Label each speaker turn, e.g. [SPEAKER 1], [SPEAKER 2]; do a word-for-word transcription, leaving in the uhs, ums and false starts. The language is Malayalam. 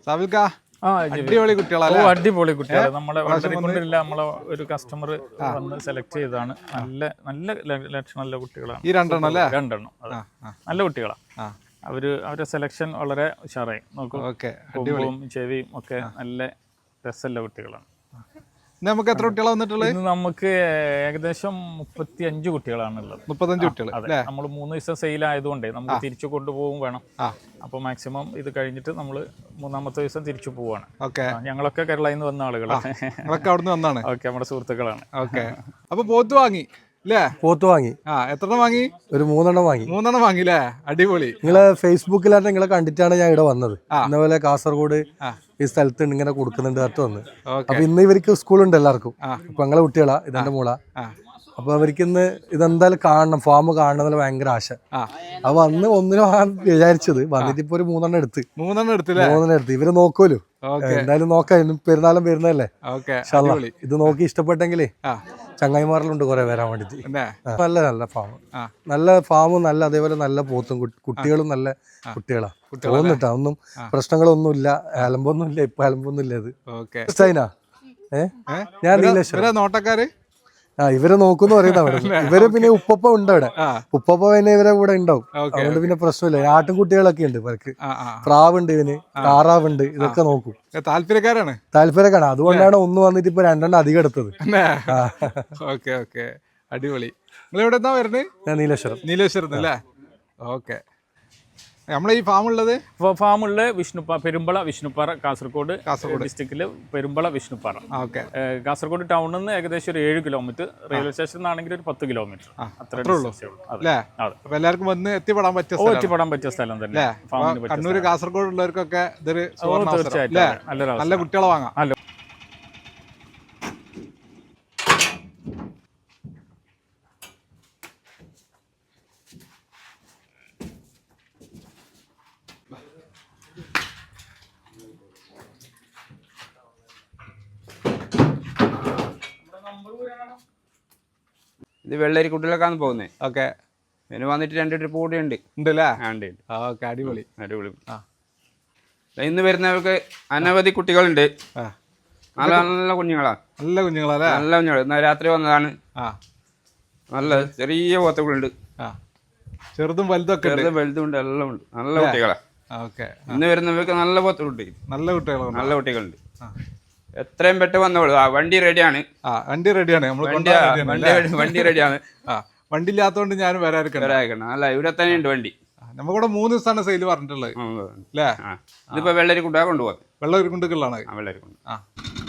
[SPEAKER 1] സാബിൽക്ക
[SPEAKER 2] അടിപൊളി കുട്ടികളാണ്. അടിപൊളി കുട്ടികൾ. നമ്മളെ കൊണ്ടില്ല നമ്മളെ ഒരു കസ്റ്റമർ വന്ന് സെലക്ട് ചെയ്താണ്. നല്ല നല്ല ലക്ഷണമുള്ള കുട്ടികളാണ്
[SPEAKER 1] ഈ രണ്ടെണ്ണം അല്ലേ?
[SPEAKER 2] രണ്ടെണ്ണം നല്ല കുട്ടികളാണ്. അവര് അവരുടെ സെലക്ഷൻ വളരെ ഉഷാറായി. നോക്കും, കൊമ്പും ചെവിയും ഒക്കെ നല്ല രസമുള്ള കുട്ടികളാണ്.
[SPEAKER 1] നമുക്ക് എത്ര കുട്ടികളാണ് വന്നിട്ടുള്ളത്?
[SPEAKER 2] ഇന്ന് നമുക്ക് ഏകദേശം മുപ്പത്തി അഞ്ച് കുട്ടികളാണുള്ളത്.
[SPEAKER 1] മുപ്പത്തഞ്ച് കുട്ടികൾ.
[SPEAKER 2] നമ്മൾ മൂന്ന് ദിവസം സെയിൽ ആയതുകൊണ്ട് നമുക്ക് തിരിച്ചു കൊണ്ടുപോകും വേണം. അപ്പോൾ മാക്സിമം ഇത് കഴിഞ്ഞിട്ട് നമ്മൾ മൂന്നാമത്തെ ദിവസം തിരിച്ചു പോവാണ്. ഞങ്ങളൊക്കെ കേരളയിൽ നിന്ന് വന്ന ആളുകളാണ്.
[SPEAKER 1] അവിടുന്ന് വന്നാണ്.
[SPEAKER 2] ഓക്കെ, നമ്മുടെ സുഹൃത്തുക്കളാണ്.
[SPEAKER 1] ഓക്കെ, അപ്പൊ പോത്ത് വാങ്ങി അല്ലേ?
[SPEAKER 3] പോത്ത് വാങ്ങി.
[SPEAKER 1] ആ, എത്രണ്ണം വാങ്ങി?
[SPEAKER 3] ഒരു മൂന്നെണ്ണം വാങ്ങി.
[SPEAKER 1] മൂന്നെണ്ണം വാങ്ങില്ലേ? അടിപൊളി.
[SPEAKER 3] നിങ്ങളെ ഫേസ്ബുക്കിലായിട്ട് നിങ്ങളെ കണ്ടിട്ടാണ് ഞാൻ ഇവിടെ വന്നത്. ഇന്നപോലെ കാസർഗോഡ് ഈ സ്ഥലത്ത് ഇങ്ങനെ കൊടുക്കുന്നുണ്ട് അടുത്ത് വന്ന്. അപ്പൊ ഇന്ന് ഇവർക്ക് സ്കൂളുണ്ട് എല്ലാവർക്കും. അപ്പൊ ഞങ്ങളെ കുട്ടികളാ, ഇതെന്റെ മോളാ. അപ്പൊ അവർക്ക് ഇന്ന് ഇതെന്തായാലും കാണണം, ഫാം കാണണം എന്നുള്ള ഭയങ്കര ആശ. അപ്പൊ അന്ന് ഒന്നിനും ആ വിചാരിച്ചത് വന്നിട്ട് ഇപ്പൊ ഒരു മൂന്നെണ്ണം എടുത്ത്
[SPEAKER 1] മൂന്നെണ്ണം എടുത്തില്ല
[SPEAKER 3] മൂന്നെണ്ണം എടുത്ത് ഇവര് നോക്കുമല്ലോ. എന്തായാലും നോക്കാം, പെരുന്നാളും വരുന്നല്ലേ. ഇത് നോക്കി ഇഷ്ടപ്പെട്ടെങ്കിലേ ചങ്ങായിമാരിലുണ്ട് കുറെ വരാൻ വേണ്ടിട്ട്. നല്ല നല്ല ഫാം, നല്ല ഫാമും നല്ല, അതേപോലെ നല്ല പോത്തും കുട്ടികളും നല്ല കുട്ടികളാ തോന്നിട്ടാ. ഒന്നും പ്രശ്നങ്ങളൊന്നും ഇല്ല, അലമ്പൊന്നും ഇല്ല. ഇപ്പൊ അലമ്പൊന്നും ഇല്ല. ഇത് ചൈന ഏഹ് ഞാൻ നീലേശ്വരം
[SPEAKER 1] നോട്ടക്കാര്
[SPEAKER 3] ആ ഇവരെ നോക്കുന്നു പറയുന്നത്. ഇവര് പിന്നെ ഉപ്പപ്പ ഉണ്ട് അവിടെ. ഉപ്പപ്പ പിന്നെ ഇവരെ കൂടെ ഉണ്ടാവും. അതുകൊണ്ട് പിന്നെ പ്രശ്നമില്ല. ആട്ടിൻകുട്ടികളൊക്കെ ഉണ്ട് ഇവർക്ക്. പ്രാവുണ്ട്, ഇവന് താറാവുണ്ട്. ഇതൊക്കെ നോക്കും.
[SPEAKER 1] താല്പര്യക്കാരാണ്
[SPEAKER 3] താല്പര്യക്കാരാണ് അതുകൊണ്ടാണ് ഒന്ന് വന്നിട്ട് ഇപ്പൊ രണ്ടെണ്ണം അധികം എടുത്തത്.
[SPEAKER 1] ഓക്കെ ഓക്കെ, അടിപൊളി. നിങ്ങൾ എവിടെ നിന്നാ വരുന്നത്?
[SPEAKER 3] ഞാൻ നീലേശ്വരം.
[SPEAKER 1] നീലേശ്വരം അല്ലേ? ഓക്കെ. നമ്മളെ ഈ ഫാം ഉള്ളത്
[SPEAKER 2] ഫാമുള്ള വിഷ്ണുപ്പാറ, പെരുമ്പള വിഷ്ണുപ്പാറ, കാസർഗോഡ് കാസർഗോഡ് ഡിസ്ട്രിക്റ്റില് പെരുമ്പള വിഷ്ണുപ്പാറ.
[SPEAKER 1] ഓക്കെ.
[SPEAKER 2] കാസർഗോഡ് ടൗണിൽ നിന്ന് ഏകദേശം ഒരു ഏഴ് കിലോമീറ്റർ, റെയിൽവേ സ്റ്റേഷനിൽ നിന്നാണെങ്കിൽ ഒരു പത്ത് കിലോമീറ്റർ അത്രേ ഉള്ളൂ.
[SPEAKER 1] അപ്പൊ എല്ലാവർക്കും വന്ന് എത്തിപ്പെടാൻ പറ്റിയ
[SPEAKER 2] എത്തിപ്പെടാൻ പറ്റിയ സ്ഥലം തന്നെ.
[SPEAKER 1] കണ്ണൂർ കാസർഗോഡ് ഉള്ളവർക്കൊക്കെ ഇതൊരു
[SPEAKER 2] തീർച്ചയായിട്ടും
[SPEAKER 1] നല്ല കുട്ടികളെ വാങ്ങാം.
[SPEAKER 4] ഇത് വെള്ളരി കുട്ടികളൊക്കെയാണ് പോകുന്നത്.
[SPEAKER 1] ഓക്കെ.
[SPEAKER 4] പിന്നെ വന്നിട്ട് രണ്ട് ട്രിപ്പ് കൂടി ഉണ്ട്
[SPEAKER 1] ഉണ്ടല്ലേ?
[SPEAKER 4] ഉണ്ട്.
[SPEAKER 1] ഓക്കെ, അടിപൊളി
[SPEAKER 4] അടിപൊളി. ഇന്ന് വരുന്നവർക്ക് അനവധി കുട്ടികളുണ്ട്. നല്ല നല്ല കുഞ്ഞുങ്ങളാ.
[SPEAKER 1] നല്ല കുഞ്ഞുങ്ങളല്ലേ?
[SPEAKER 4] നല്ല കുഞ്ഞുങ്ങൾ. ഇന്ന് രാത്രി വന്നതാണ്. നല്ല ചെറിയ പോത്തുകളുണ്ട്.
[SPEAKER 1] ചെറുതും വലുതൊക്കെ
[SPEAKER 4] ചെറുതും വലുതും ഉണ്ട്, എല്ലാം ഉണ്ട്. നല്ല കുട്ടികളാ.
[SPEAKER 1] ഓക്കെ.
[SPEAKER 4] ഇന്ന് വരുന്നവർക്ക് നല്ല പോത്തുകളുണ്ട്.
[SPEAKER 1] നല്ല കുട്ടികൾ നല്ല
[SPEAKER 4] കുട്ടികളുണ്ട്. എത്രയും പെട്ടെന്ന് വന്നോളൂ. ആ വണ്ടി റെഡിയാണ്.
[SPEAKER 1] ആ വണ്ടി റെഡിയാണ്.
[SPEAKER 4] വണ്ടി റെഡിയാണ്.
[SPEAKER 1] വണ്ടി ഇല്ലാത്തതുകൊണ്ട് ഞാൻ വരാതിരിക്കണം.
[SPEAKER 4] അല്ല, ഇവിടെ തന്നെ ഉണ്ട് വണ്ടി.
[SPEAKER 1] നമുക്കിവിടെ മൂന്ന് ദിവസമാണ് സെയിൽ പറഞ്ഞിട്ടുള്ളത് അല്ലേ?
[SPEAKER 4] ഇതിപ്പോ വെള്ളരി കുട്ടികളെ കൊണ്ടുപോകാം.
[SPEAKER 1] വെള്ളരി കുണ്ടുകളാണ്.
[SPEAKER 4] വെള്ളരി കൊണ്ട്.
[SPEAKER 1] ആ